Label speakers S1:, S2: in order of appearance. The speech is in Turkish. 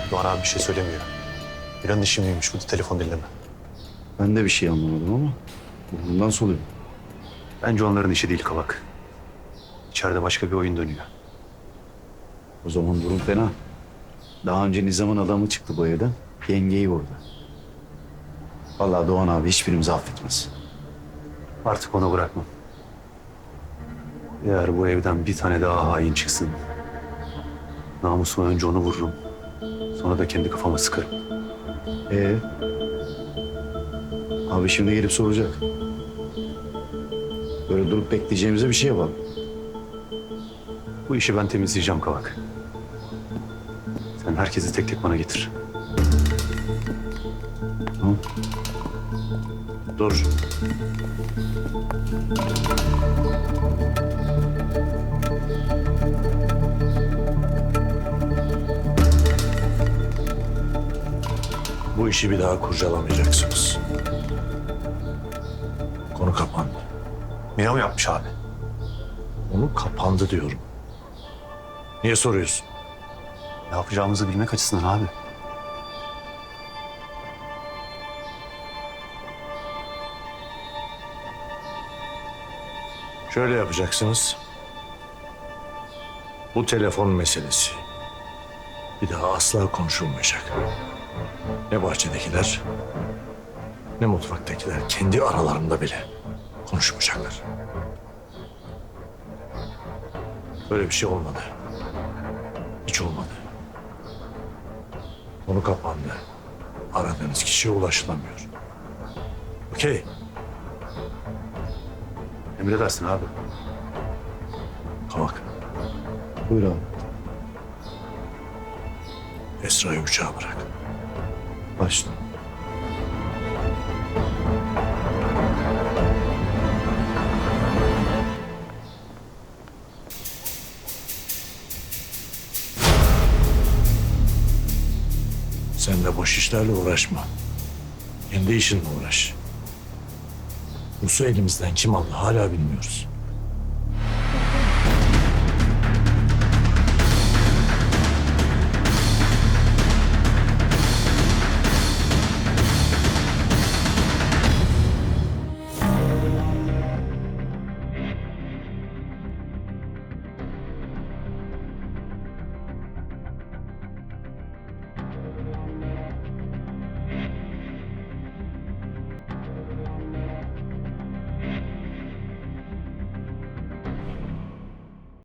S1: Doğan abi bir şey söylemiyor. Miran'ın işi miymiş bu telefon dinleme.
S2: Ben de bir şey anlamadım ama bundan soluyor.
S1: Bence onların işi değil Kavak. İçeride başka bir oyun dönüyor.
S2: O zaman durum fena. Daha önce Nizam'ın adamı çıktı bu evden. Yengeyi vurdu. Vallahi Doğan abi hiçbirimizi affetmez.
S1: Artık onu bırakmam. Eğer bu evden bir tane daha hain çıksın... namusuma önce onu vururum. Sonra da kendi kafama sıkarım.
S2: Ee? Abi şimdi gelip soracak. Böyle durup bekleyeceğimize bir şey yapalım.
S1: Bu işi ben temizleyeceğim Kavak. Sen herkesi tek tek bana getir.
S2: Tamam.
S1: Dur.
S3: Bu işi bir daha kurcalamayacaksınız. Konu kapandı.
S1: Mira mı yapmış abi?
S3: Konu kapandı diyorum. Niye soruyorsun?
S1: Ne yapacağımızı bilmek açısından abi.
S3: Şöyle yapacaksınız. Bu telefon meselesi bir daha asla konuşulmayacak. Ne bahçedekiler ne mutfaktakiler kendi aralarında bile konuşmayacaklar. Böyle bir şey olmadı. Hiç olmadı. Konu kapandı. Aradığınız kişiye ulaşılamıyor. Okey.
S1: Emredersin abi.
S3: Kavak.
S2: Buyur abi.
S3: Esra'yı uçağa bırak.
S2: Başla.
S3: Sen de boş işlerle uğraşma. Kendi işinle uğraş. Rus'u elimizden kim aldı hala bilmiyoruz.